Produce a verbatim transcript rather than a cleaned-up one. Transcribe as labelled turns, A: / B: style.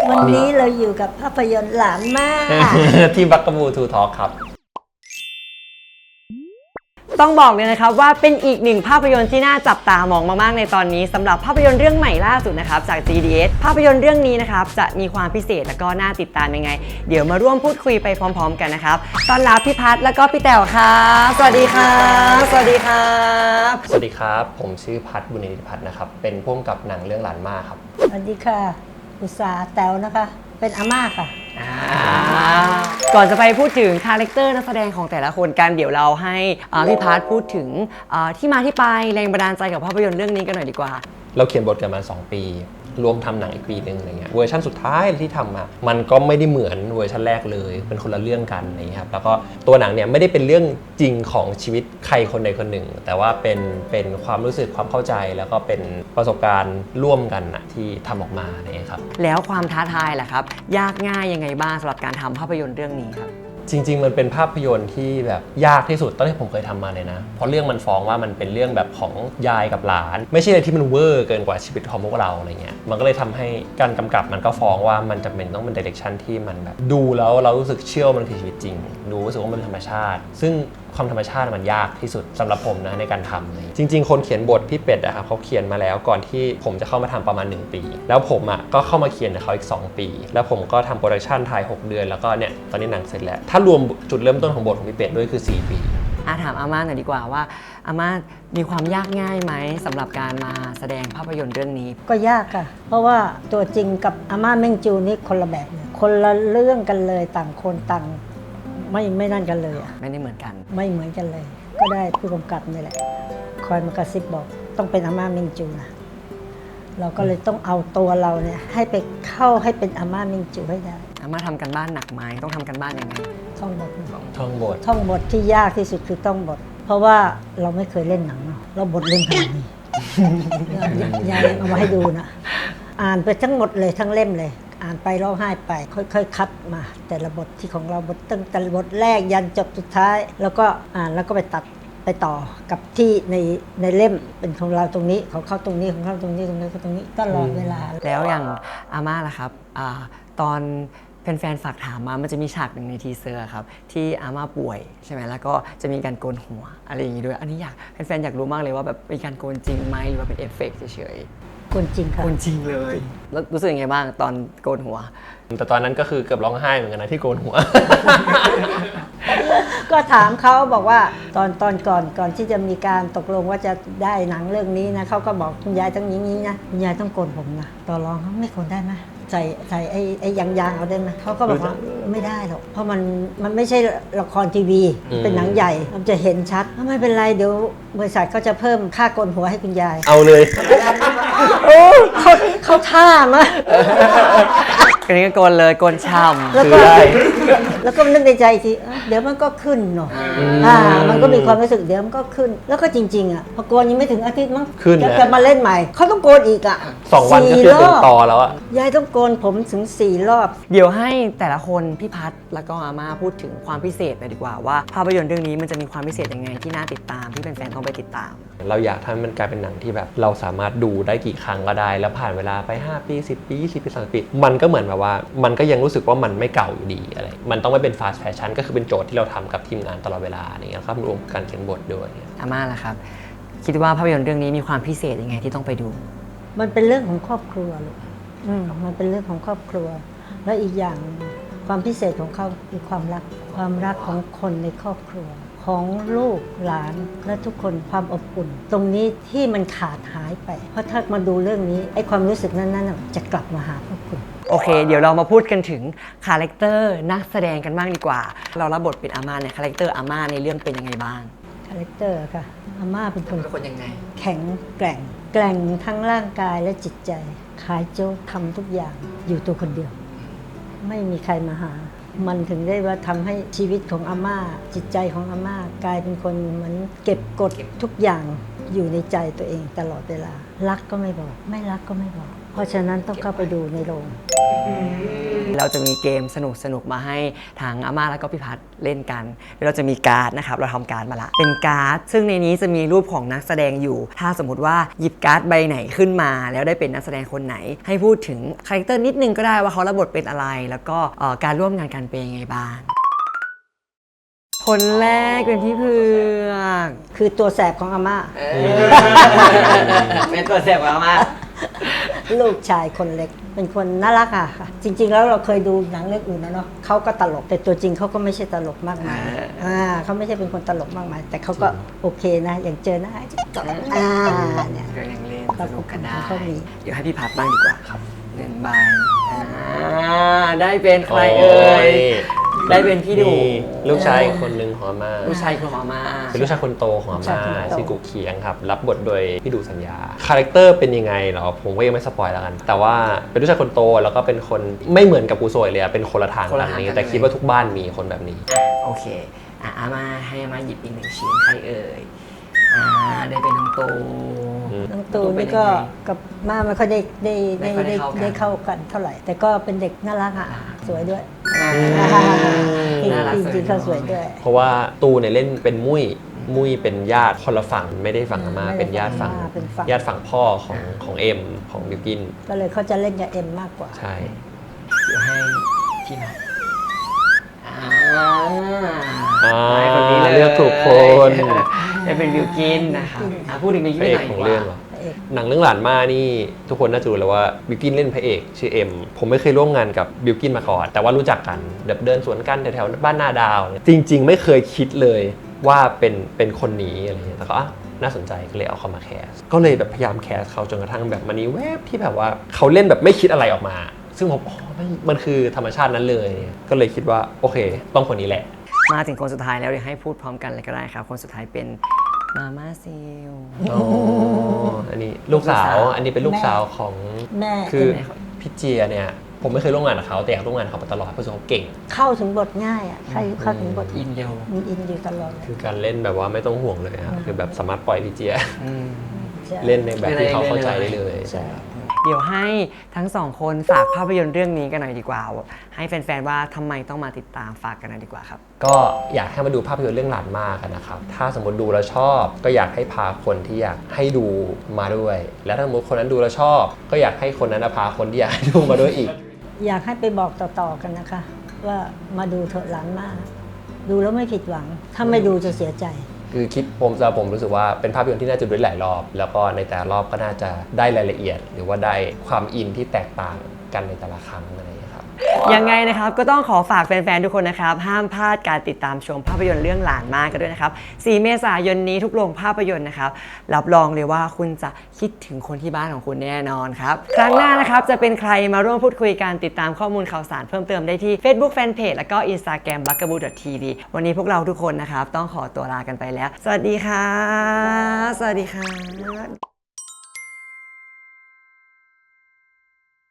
A: วันนี้เราอยู่กับภาพยนตร์หลานมาก
B: ที่บักกะบูทูทอล์คครับ
C: ต้องบอกเลยนะครับว่าเป็นอีกหนึ่งภาพยนตร์ที่น่าจับตามองมากๆในตอนนี้สำหรับภาพยนตร์เรื่องใหม่ล่าสุดนะครับจาก จี ดี เอส ภาพยนตร์เรื่องนี้นะครับจะมีความพิเศษและก็น่าติดตามยังไงเดี๋ยวมาร่วมพูดคุยไปพร้อมๆกันนะครับต้อนรับพี่พัฒน์แล้วก็พี่แต๋วครับสวัสดีครับสวัสดีครับ
B: สวัสดีครับผมชื่อพัฒน์บุญนิติพัฒน์นะครับเป็นผู้กำกับหนังเรื่องหลานมาครับ
A: สวัสดีค่ะอุตสาหแต๋วนะคะเป็นอาม่าค่ะ
C: ก่อนจะไปพูดถึงคาแรคเตอร์นักแสดงของแต่ละคนกันเดี๋ยวเราให้พี่พัฒน์พูดถึงที่มาที่ไปแรงบันดาลใจกับภาพยนตร์เรื่องนี้กันหน่อยดีกว่า
B: เราเขียนบทกันมาสองปีรวมทำหนังอีกปีหนึ่งอะไรเงี้ยเวอร์ชันสุดท้ายที่ทำมามันก็ไม่ได้เหมือนเวอร์ชันแรกเลยเป็นคนละเรื่องกันอะไรเงี้ยครับแล้วก็ตัวหนังเนี่ยไม่ได้เป็นเรื่องจริงของชีวิตใครคนใดคนหนึ่งแต่ว่าเป็นเป็นความรู้สึกความเข้าใจแล้วก็เป็นประสบการณ์ร่วมกันนะที่ทำออกมาเนี่ยครับ
C: แล้วความท้าทายล่ะครับยากง่ายยังไงบ้างสำหรับการทำภาพยนตร์เรื่องนี้ครับ
B: จริงๆมันเป็นภาพยนตร์ที่แบบยากที่สุดตั้งแต่ผมเคยทำมาเลยนะเพราะเรื่องมันฟ้องว่ามันเป็นเรื่องแบบของยายกับหลานไม่ใช่อะไรที่มันเวอร์เกินกว่าชีวิตของพวกเราอะไรเงี้ยมันก็เลยทำให้การกำกับมันก็ฟ้องว่ามันจำเป็นต้องเป็นดิเรกชันที่มันแบบดูแล้วเรารู้สึกเชื่อมันคือชีวิตจริงดูรู้สึกว่ามันเป็นธรรมชาติซึ่งความธรรมชาติมันยากที่สุดสำหรับผมนะในการทำเลยจริงๆคนเขียนบทพี่เป็ดอะครับเขาเขียนมาแล้วก่อนที่ผมจะเข้ามาทำประมาณหนึ่งปีแล้วผมอะก็เข้ามาเขียนกับเขาอีกสองปีแล้วผมก็ทำโปรดักชันถ่ายหกเดือนแล้วก็เนี่ยตอนนี้หนังเสร็จแล้วถ้ารวมจุดเริ่มต้นของบทของพี่เป็ดด้วยคือสี่ปี
C: อาถามอาม่าหน่อยดีกว่าว่าอาม่ามีความยากง่ายไหมสำหรับการมาแสดงภาพยนตร์เรื่องนี้
A: ก็ยากค่ะเพราะว่าตัวจริงกับอาม่าเม่งจูนี่คนละแบบเลยคนละเรื่องกันเลยต่างคนต่างไม่ไม่นั่นกันเลยอ่ะ
C: ไม่ได้เหมือนกัน
A: ไม่เหมือนกันเลยก็ได้ผู้กำกับนี่แหละคอยมากระซิบบอกต้องเป็นอาม่าเม่งจูนะเราก็เลยต้องเอาตัวเราเนี่ยให้ไปเข้าให้เป็นอาม่าเม่งจูให้ได้
C: อาม่าทำกันบ้านหนักไหมต้องทำกันบ้านยังไง
A: ท่องบท
B: ท่องบท
A: ท่องบทที่ยากที่สุดคือท่องบทเพราะว่าเราไม่เคยเล่นหนังเนาะเราบทเล่นขนาดนี้ยายเอามาให้ดูนะอ่านไปทั้งหมดเลยทั้งเล่มเลยอ่านไปร้องไห้ไปค่อยๆคัดมาแต่ละบทที่ของเราบทตั้งแต่บทแรกยันจบสุดท้ายแล้วก็อ่านแล้วก็ไปตัดไปต่อกับที่ในในเล่มเป็นของเราตรงนี้ของเขาตรงนี้ของเขาตรงนี้ตรงนี้ตรงนี้ตลอดเวลา
C: แล้วอย่างอาม่าล่ะครับอตอนแฟนๆฝากถามมามันจะมีฉากหนึ่งในทีเซอร์ครับที่อาม่าป่วยใช่ไหมแล้วก็จะมีการโกนหัวอะไรอย่างนี้ด้วยอันนี้อยากแฟนๆอยากรู้มากเลยว่าแบบเป็นการโกนจริงไหมหรือว่าเป็นเอฟเฟกต์เฉย
A: โกนจริงค่ะ
C: โกนจริงเลยแล้วรู้สึกยังไงบ้างตอนโกนหัว
B: แต่ตอนนั้นก็คือเกือบร้องไห้เหมือนกันนะที่โกนหัว
A: ก็ถามเขาบอกว่าตอนตอนก่อนก่อนที่จะมีการตกลงว่าจะได้หนังเรื่องนี้นะเขาก็บอกคุณยายต้องอย่างนี้นะคุณยายต้องโกนผมนะต่อรองเขาไม่โกนได้ไหมใส่ใส่ไอ้ไอ้ยางยางเอาได้ไหมเขาก็บอกว่าไม่ได้หรอกเพราะมันมันไม่ใช่ละครทีวีเป็นหนังใหญ่มันจะเห็นชัดไม่เป็นไรเดี๋ยวบริษัทเขาจะเพิ่มค่าโกนหัวให้คุณยาย
B: เอาเลย
A: โอ้เขาเขาท่ามะ
C: อันนี้ก็โกนเลยโกนช่ำ
A: แล้วก็แล้วก็นึกในใจทีเดี๋ยวมันก็ขึ้นเนาะอ่ามันก็มีความรู้สึกเดี๋ยวมันก็ขึ้นแล้วก็จริงๆอ่ะพอโกนยังไม่ถึงอาทิตย์มั้งจะจะมาเล่นใหม่เขาต้องโกนอีกอ่ะ
B: สองวันก็คือเป็นต่อแล้วอ่ะ
A: ยายต้องโกนผมถึงสี่รอบ
C: เดี๋ยวให้แต่ละคนพี่พัฒน์แล้วก็อาม่าพูดถึงความพิเศษหน่อยดีกว่าว่าภาพยนตร์เรื่องนี้มันจะมีความพิเศษยังไงที่น่าติดตามที่แฟนๆต้องไปติดตาม
B: เราอยากทำมันกลายเป็นหนังที่แบบเราสามารถดูได้กี่ครั้งก็ได้แล้วผ่านเวลาไปห้าปีสิบปียี่สิบปีสามสิบปีมันก็เหมือนแบบว่ามันก็ยังรู้สึกว่ามันไม่เก่าอยู่ดีอะไรมันต้องไม่เป็นฟาสต์แฟชั่นก็คือเป็นโจทย์ที่เราทำกับทีมงานตลอดเวลาอย่างเงี้ยครับรวมการเขียนบทด้วย
C: อาม่าล่ะครับคิดว่าภาพยนตร์เรื่องนี้มีความพิเศษยังไงที่ต้องไปดู
A: มันเป็นเรื่องของครอบครัวลูกมันเป็นเรื่องของครอบครัวและอีกอย่างความพิเศษของเขาคือความรักความรักของคนในครอบครัวของลูกหลานและทุกคนความอบอุ่นตรงนี้ที่มันขาดหายไปเพราะถ้ามาดูเรื่องนี้ไอ้ความรู้สึกนั้นๆจะกลับมาหาพวกคุณ
C: โอเคเดี๋ยวเรามาพูดกันถึงคาแรคเตอร์นักแสดงกันบ้างดีกว่าเรารับบทเป็นอาม่าเนี่ยคาแรคเตอร์อาม่าในเรื่องเป็นยังไงบ้าง
A: คาแรคเตอร์ค่ะอาม่าเป็นคน
C: เป็นคนยังไง
A: แข็งแกร่งแกร่งทั้งร่างกายและจิตใจขายโจ๊กทำทุกอย่างอยู่ตัวคนเดียวไม่มีใครมาหามันถึงได้ว่าทำให้ชีวิตของอาม่าจิตใจของอาม่ากลายเป็นคนเหมือนเก็บกดทุกอย่างอยู่ในใจตัวเองตลอดเวลารักก็ไม่บอกไม่รักก็ไม่บอกเพราะฉะนั้นต้องเข้าไปดูในโรง
C: เราจะมีเกมสนุกสนุกมาให้ทางอาม่าแล้วก็พี่พัฒน์เล่นกันเราจะมีการ์ดนะครับเราทำการ์ดมาละเป็นการ์ดซึ่งในนี้จะมีรูปของนักแสดงอยู่ ถ้าสมมติว่าหยิบการ์ดใบไหนขึ้นมาแล้วได้เป็นนักแสดงคนไหนให้พูดถึงคาแรคเตอร์นิดนึงก็ได้ว่าเขารับบทเป็นอะไรแล้วก็การร่วมงานกันเป็นยังไงบ้างคนแรกเป็นพี่เผือก
A: คือตัวแสบของอาม่า
C: เป็นตัวแสบของอาม่า
A: ลูกชายคนเล็กเป็นคนน่ารักอะค่ะจริงๆแล้วเราเคยดูหนังเรื่องอื่นนะเนาะเขาก็ตลกแต่ตัวจริงเขาก็ไม่ใช่ตลกมากมายอ่าเขาไม่ใช่เป็นคนตลกมากมายแต่เขาก็โอเคนะอย่างเจอหน้าตลกอ่าเนี่ย
C: ก็ยังเล่นสนุกกันได้
A: เขามี
C: เดี๋ยวให้พี่พัดบ้างดีกว่าครับเล่นใบอ่าได้เป็นใครเอ่ยได้เป็นพี่ดู
B: ลูกชายคนหนึ่งของอาม่า
C: ลูกชายของอาม่า
B: เป็นลูกชายคนโตของอาม่าชื่อกุ๊กเคียงครับรับบทโดยพี่ดูสัญญาคาแรคเตอร์เป็นยังไงเหรอผมก็ยังไม่สปอยแล้วกันแต่ว่าเป็นลูกชายคนโตแล้วก็เป็นคนไม่เหมือนกับกูโซยเลยเป็นคนละทางกันนี้แต่คิดว่าทุกบ้านมีคนแบบนี้
C: โอเคอ่ะอาม่าให้อาม่าหยิบอีกหนึ่งชิ้นใครเอ่ยอ่าได้เป็นน้องตู
A: น้องตูนี่ก็กับม่าไม่ค่อยได้ได้ได้ได้ได้เข้ากันเท่าไหร่แต่ก็เป็นเด็กน่ารักอ่ะสวยด้วยจริงๆเขาสวยด้วย
B: เพราะว่าตูเนี่ยเล่นเป็นมุ้ยมุ้ยเป็นญาติคนละฝั่งไม่ได้ฝั่งอาม่าเป็นญาติฝั่งญาติฝั่งพ่อของของเอ็มของบิวกิน
A: ก็เลยเขาจะเล่นกับเอ็มมากกว่า
B: ใช่
C: เดี๋ยวให้พี่มา
B: อ่าคนนี้เลือกถูกคน
C: จะเป็นบิวกินนะคะพูดถึงบิวกินหน่อย
B: ของเรื่องหนังเรื่องหลานมานี่ทุกคนน่าจะรู้แล้วว่าบิวกินเล่นพระเอกชื่อเอ็มผมไม่เคยร่วมงานกับบิวกินมาก่อนแต่ว่ารู้จักกันเดินสวนกันแถวๆบ้านนาดาวจริงๆไม่เคยคิดเลยว่าเป็นเป็นคนนี้อะไรเงี้ยแต่ก็น่าสนใจก็เลยเอาเขามาแคสก็เลยแบบพยายามแคสเขาจนกระทั่งแบบมันนี้แวบที่แบบว่าเขาเล่นแบบไม่คิดอะไรออกมาซึ่งผมอ๋อมันคือธรรมชาตินั้นเลยก็เลยคิดว่าโอเคต้องคนนี้แหละ
C: มาถึงคนสุดท้ายแล้วเดี๋ยวให้พูดพร้อมกันเลยก็ได้ครับคนสุดท้ายเป็นมาม่าซิล
B: อ๋ออันนี้ลูกสาวอันนี้เป็นลูกสาวของ
A: แม่
B: คือพี่เจียเนี่ยผมไม่เคยร่วมงานกับเขาแต่อยากร่วมงานกับเขามาตลอดเพราะเขาเก่ง
A: เข้าถึงบทง่ายอ่ะใครเข้าถึงบท
C: อินเดียว
A: อินอยู่ตลอด
B: คือการเล่นแบบว่าไม่ต้องห่วงเลยครับคือแบบสามารถปล่อยพี่เจียเล่นในแบบที่เขาเข้าใจได้เลย
C: เดี๋ยวให้ทั้งสองคนฝากภาพยนตร์เรื่องนี้กันหน่อยดีกว่าให้แฟนๆว่าทำไมต้องมาติดตามฝากกันหน่อยดีกว่าครับ
B: ก็อยากให้มาดูภาพยนตร์เรื่องหลานมากกันนะครับถ้าสมมติดูแล้วชอบก็อยากให้พาคนที่อยากให้ดูมาด้วยและถ้าสมมติคนนั้นดูแล้วชอบก็อยากให้คนนั้นพาคนที่อยากให้ดูมาด้วยอีก
A: อยากให้ไปบอกต่อๆกันนะคะว่ามาดูเถอะหลานมากดูแล้วไม่ผิดหวังถ้าไม่ดูจะเสียใจ
B: คือคิดผมจะผมรู้สึกว่าเป็นภาพยนตร์ที่น่าจะดูได้หลายรอบแล้วก็ในแต่ละรอบก็น่าจะได้รายละเอียดหรือว่าได้ความอินที่แตกต่างกันในแต่ละครั้งอะไรอย่างนี้ครับ
C: ยังไงนะครับก็ต้องขอฝากแฟนๆทุกคนนะครับห้ามพลาดการติดตามชมภาพยนตร์เรื่องหลานมากกันด้วยนะครับสี่เมษายนนี้ทุกโรงภาพยนตร์นะครับรับรองเลยว่าคุณจะคิดถึงคนที่บ้านของคุณแน่นอนครับครั้งหน้านะครับจะเป็นใครมาร่วมพูดคุยกันติดตามข้อมูลข่าวสารเพิ่มเติมได้ที่ Facebook Fanpage แล้วก็ Instagram บักกะบู ดอท ที วี วันนี้พวกเราทุกคนนะครับต้องขอตัวลากันไปแล้วสวัสดีค่ะสวัสดีค่ะ